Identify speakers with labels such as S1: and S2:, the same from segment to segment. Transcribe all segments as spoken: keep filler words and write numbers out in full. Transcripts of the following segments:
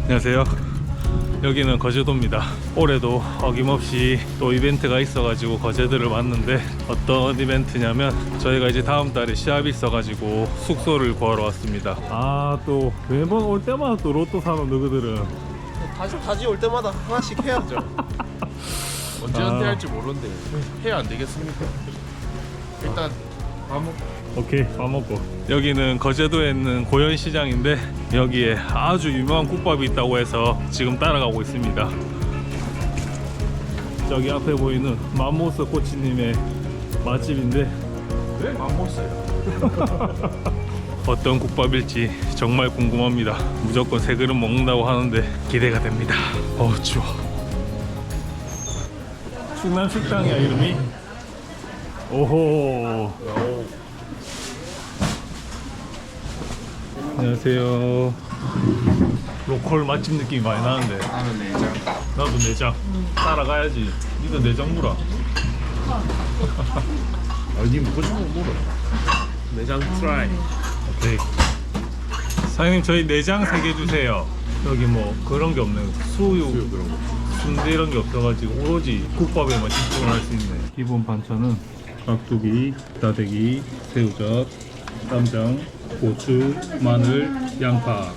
S1: 안녕하세요. 여기는 거제도입니다. 올해도 어김없이 또 이벤트가 있어가지고 거제도를 왔는데, 어떤 이벤트냐면 저희가 이제 다음 달에 시합이 있어가지고 숙소를 구하러 왔습니다. 아, 또 매번 올 때마다 또 로또 사는 너희들은
S2: 다시 다시 올 때마다 하나씩 해야죠. 언제
S1: 아.
S2: 은퇴할지 모르는데 해야 안 되겠습니까? 일단 밥 먹고.
S1: 오케이, 밥 먹고. 여기는 거제도에 있는 고현시장인데, 여기에 아주 유명한 국밥이 있다고 해서 지금 따라가고 있습니다. 저기 앞에 보이는 맘모스 코치님의 맛집인데,
S2: 왜 맘모스예요?
S1: 어떤 국밥일지 정말 궁금합니다. 무조건 세 그릇 먹는다고 하는데 기대가 됩니다. 어우 추워. 충남 식당이야 이름이? 오호. 안녕하세요. 로컬 맛집 느낌이 많이 나는데.
S2: 나는 내장.
S1: 나도 내장. 따라가야지. 니도 내장 물어.
S2: 아니 먹고 싶은 거 물어. 내장 트라이.
S1: 오케이. 사장님 저희 내장 세 개 주세요. 여기 뭐 그런 게 없네요. 수육,
S2: 수육 그런 거.
S1: 순대 이런 게 없어가지고 오로지 국밥에만 집중을 할 수 있네. 기본 반찬은 깍두기, 다대기, 새우젓, 쌈장, 고추, 마늘, 양파.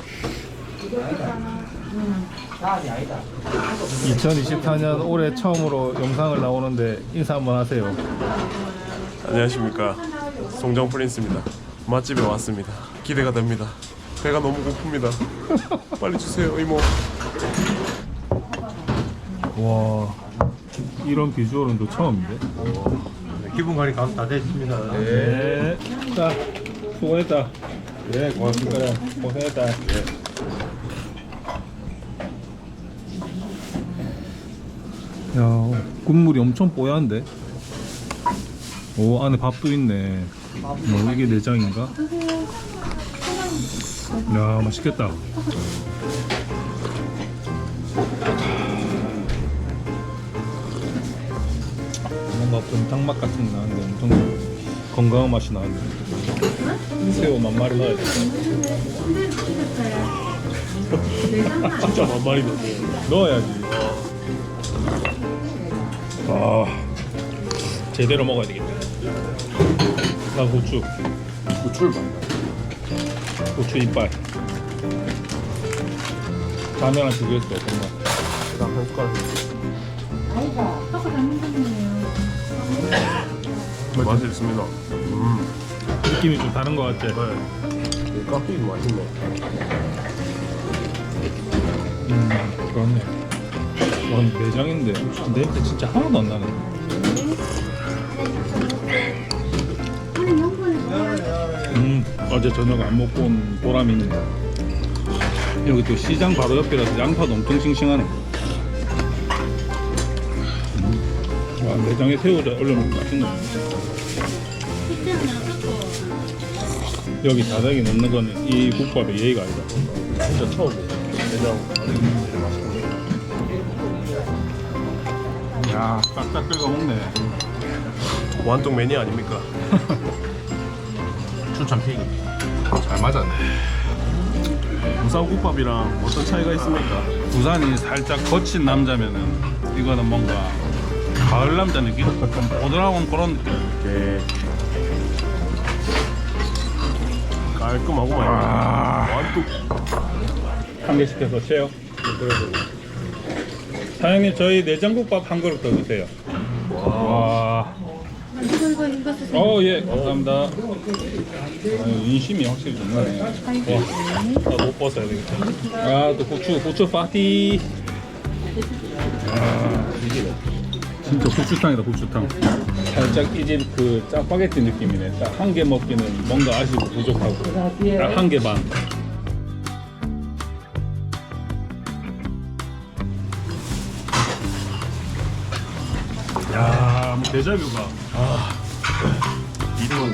S1: 이천이십사 년 올해 처음으로 영상을 나오는데 인사 한번 하세요.
S2: 안녕하십니까. 송정 프린스입니다. 맛집에 왔습니다. 기대가 됩니다. 배가 너무 고픕니다. 빨리 주세요 이모.
S1: 와, 이런 비주얼은 또 처음인데?
S3: 기분 관리 감 다 됐습니다.
S1: 네. 자, 수고했다.
S2: 네 고맙습니다.
S1: 그래, 고생했다. 야, 국물이 엄청 뽀얀데? 오, 안에 밥도 있네. 뭐, 이게 내장인가? 야, 맛있겠다. 뭔가 곰탕맛 같은 게 나는데 엄청 건강한 맛이 나는데. 새우 만마리 넣어야 돼.
S2: 진짜 만만히 넣어.
S1: 넣어야지. 아, 제대로 먹어야 되겠다. 나 고추,
S2: 고추를 많이.
S1: 고추 이빨. 라면을 비교했어, 정말.
S2: 나한 숟가락.
S4: 아이고, 떡을 담는 거네요.
S2: 맛이 있습니다. 음.
S1: 느낌이 좀 다른 것 같지?
S2: 네. 깍두기 맛있네.
S1: 음, 그렇네. 와, 내장인데 냄새 진짜 하나도 안 나네. 음, 어제 저녁 안 먹고 온 보람이 있네. 여기 또 시장 바로 옆이라서 양파도 엄청 싱싱하네. 음. 와, 내장에 새우를 올려놓으면 맛있네. 여기 다닥이 넣는 거는 이 국밥의 예의가 아니다.
S2: 진짜 처음이에요. 내장 안에 맛있네.
S1: 야, 싹싹 긁어 먹네.
S2: 완동 매니아 아닙니까? 추천 픽. 잘 맞았네. 부산 국밥이랑 어떤 차이가 있습니까?
S1: 부산이 살짝 거친 남자면은 이거는 뭔가 가을 남자 느낌? 좀 보드라운 그런 느낌.
S2: 이렇게 깔끔하고 많이.
S1: 아.
S2: 완뚝.
S1: 한 개 시켜서 쉐어. 사장님 저희 내장국밥 한 그릇 더 주세요. 와.
S4: 이거 이거 이거 쓰세요.
S1: 어, 예, 감사합니다. 아유, 인심이 확실히 좋네. 와, 나못 벗어야 되겠다. 아, 또 고추, 고추 파티. 아, 이게 진짜 고추탕이다, 고추탕. 살짝 이 집 그 짜파게티 느낌이네. 딱 한 개 먹기는 뭔가 아쉽고 부족하고. 딱 한 개 반. 야, 뭐 데자뷰가. 아,
S2: 이름은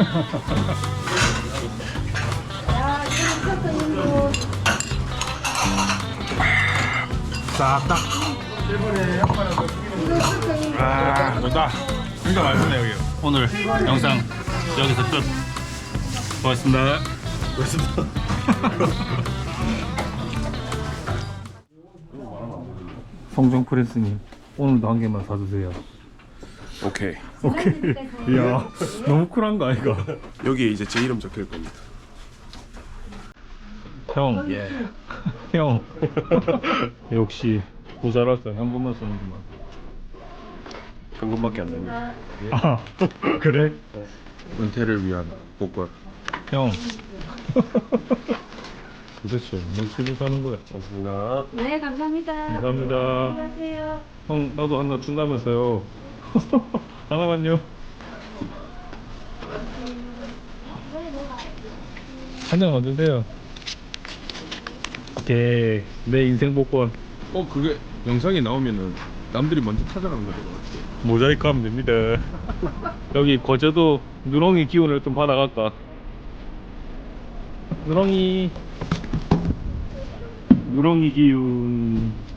S4: 야, 이거 이거
S1: 싹딱. 아, 좋다. 진짜 맛있네 여기. 오늘 영상 여기서 끝. 고맙습니다.
S2: 그렇습니다.
S1: 성정 프레스님 오늘도 한 개만 사주세요.
S2: 오케이.
S1: 오케이. 이야 너무 쿨한 거 아이가?
S2: 여기에 이제 제 이름 적힐 겁니다.
S1: 형. 예. 형. 역시 부자라서 현금만 쓰는구만.
S2: 현금밖에 안 됩니다.
S1: 아 그래?
S2: 은퇴를 위한 복권.
S1: 형. 도대체 몇 시를 사는 거야?
S2: 고맙습니다.
S4: 네, 감사합니다.
S1: 감사합니다.
S4: 안녕하세요.
S1: 형 나도 하나 준다면서요. 하나만요. 한잔 얻으세요. 오케이 내 인생 복권
S2: 어 그게 영상이 나오면은 남들이 먼저 찾아가는 거죠.
S1: 모자이크 하면 됩니다. 여기 거제도 누렁이 기운을 좀 받아갈까? 누렁이 누렁이 기운